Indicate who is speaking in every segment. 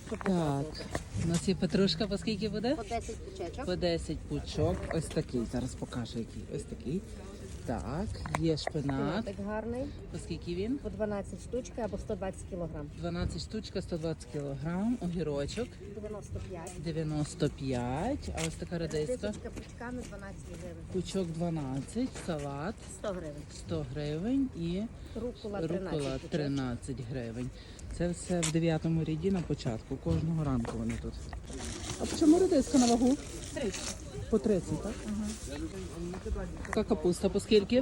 Speaker 1: Так, у нас є петрушка, по скільки буде?
Speaker 2: По 10 пучечок.
Speaker 1: По 10 пучок. Ось такий. Зараз покажу який. Ось такий. Так, є шпинат.
Speaker 2: Так гарний.
Speaker 1: По скільки він?
Speaker 2: По 12 штучки або 120 кілограм.
Speaker 1: 12 штучка, 120 кілограм. Огірочок
Speaker 2: 95.
Speaker 1: 95. А ось така редиска.
Speaker 2: Десятка пучками 12 гривень.
Speaker 1: Пучок 12. Салат
Speaker 2: 100 гривень.
Speaker 1: 100 гривень і
Speaker 2: Рукола 13
Speaker 1: рукола
Speaker 2: пучок.
Speaker 1: 13 гривень. Це все в 9-му ряді на початку. Кожного ранку вони тут. А по чому редиска на вагу?
Speaker 2: 30.
Speaker 1: По 30, так? Така капуста по скільки?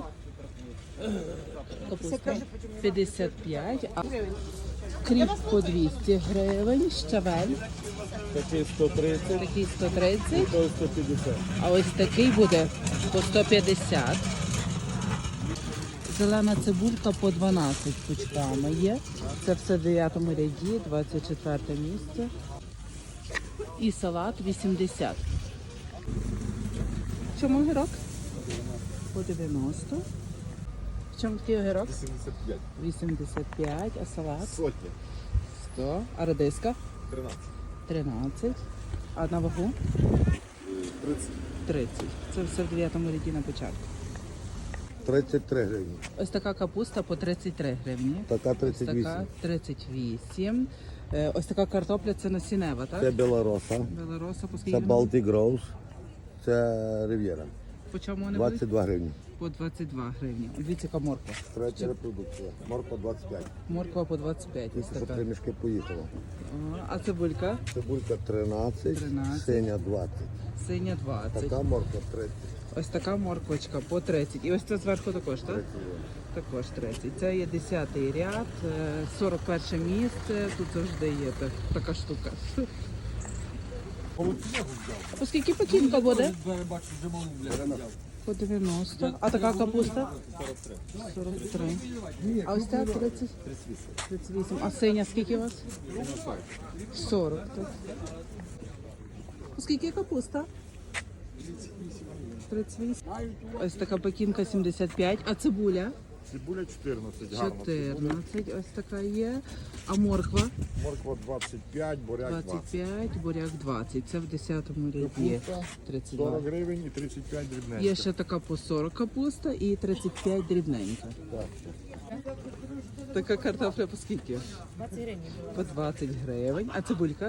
Speaker 1: Капуста 55, а кріп по 200 гривень, щавель,
Speaker 3: Такий 130,
Speaker 1: такий 130,
Speaker 3: той 150.
Speaker 1: а ось такий буде по 150. Зелена цибулька по 12 пучками є. Це все в 9-му ряді, 24 місце. І салат 80. В чому огірок? По 90. В чому такий огірок?
Speaker 3: 75.
Speaker 1: 85, а салат?
Speaker 3: Сотня.
Speaker 1: 100. А редиска?
Speaker 3: 13.
Speaker 1: 13. А на вагу?
Speaker 3: 30.
Speaker 1: 30. Це все в 9-му ряді на початку.
Speaker 3: 33 гривні.
Speaker 1: Ось така капуста по 33 гривні.
Speaker 3: Така
Speaker 1: Ось
Speaker 3: 38.
Speaker 1: така 38. Ось така картопля це насінева,
Speaker 3: Це
Speaker 1: так?
Speaker 3: білороса.
Speaker 1: Белороса по скільки?
Speaker 3: Це
Speaker 1: вона?
Speaker 3: Baltic Rose. Це Рив'єра.
Speaker 1: По чому вони будуть?
Speaker 3: 22 гривні.
Speaker 1: По 22 гривні. Дивіться, яка морква.
Speaker 3: Третя репродукція. Морква 25.
Speaker 1: Морква по 25. Ось
Speaker 3: Тільки що
Speaker 1: така.
Speaker 3: 3 мішки поїхало.
Speaker 1: А цибулька?
Speaker 3: Цибулька 13,
Speaker 1: 13.
Speaker 3: синя 20.
Speaker 1: Синя 20.
Speaker 3: Така морква 30.
Speaker 1: Ось така морквочка по 30. І ось це зверху також, так?
Speaker 3: 30.
Speaker 1: Також 30. Це є 10-й ряд, 41 місце. Тут завжди є така штука. А по скільки пекінка буде? По 90. А така капуста? 43. А ось ця 30? 38. А синя скільки у вас? 40. Так. По скільки капуста? 38. Ось така пекінка 75. А цибуля?
Speaker 3: Цибуля 14, гарно.
Speaker 1: 14. Ось така є. А морква?
Speaker 3: Морква 25, буряк 20.
Speaker 1: 25, буряк 20. Це в 10-му ряді. 32.
Speaker 3: 40 гривень і 35 дрібненько.
Speaker 1: Є ще така по 40 капуста і 35 дрібненька.
Speaker 3: Так.
Speaker 1: Така картопля по скільки?
Speaker 2: 20 гривень.
Speaker 1: По 20 гривень. А цибулька?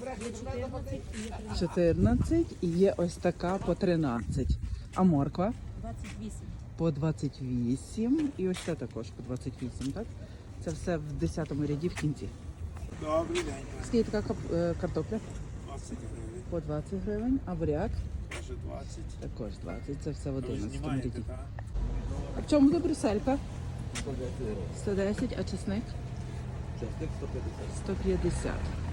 Speaker 1: 14. І є ось така по 13. А морква?
Speaker 2: 28.
Speaker 1: По 28. І ось це також по 28, так? Це все в 10-му ряді в кінці.
Speaker 4: Добрий день.
Speaker 1: Скільки така картопля?
Speaker 4: 20 гривень,
Speaker 1: По 20 гривень. А буряк?
Speaker 4: може 20.
Speaker 1: Також 20. Це все в 11-му
Speaker 4: Знімаєте,
Speaker 1: ряді.
Speaker 4: так?
Speaker 1: А в чому буде брюсселька? 110, а чесник?
Speaker 3: Часник 150.
Speaker 1: 150.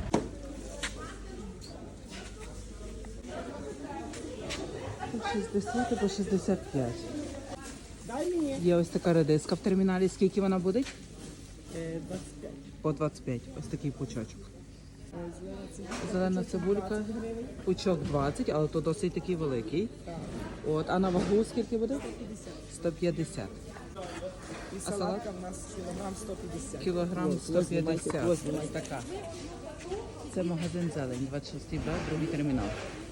Speaker 1: По 60 і по 65. Є ось така редиска в терміналі. Скільки вона буде?
Speaker 2: 25.
Speaker 1: По 25. Ось такий пучочок. Зелена цибулька. Пучок 20, але то досить такий великий. От, а на вагу скільки буде? 150.
Speaker 5: І
Speaker 1: салат?
Speaker 5: салатка в нас кілограм 150.
Speaker 1: Кілограм
Speaker 5: Ось,
Speaker 1: 150.
Speaker 5: ось,
Speaker 1: Ось така. Це магазин зелень, 26 Б, другий термінал.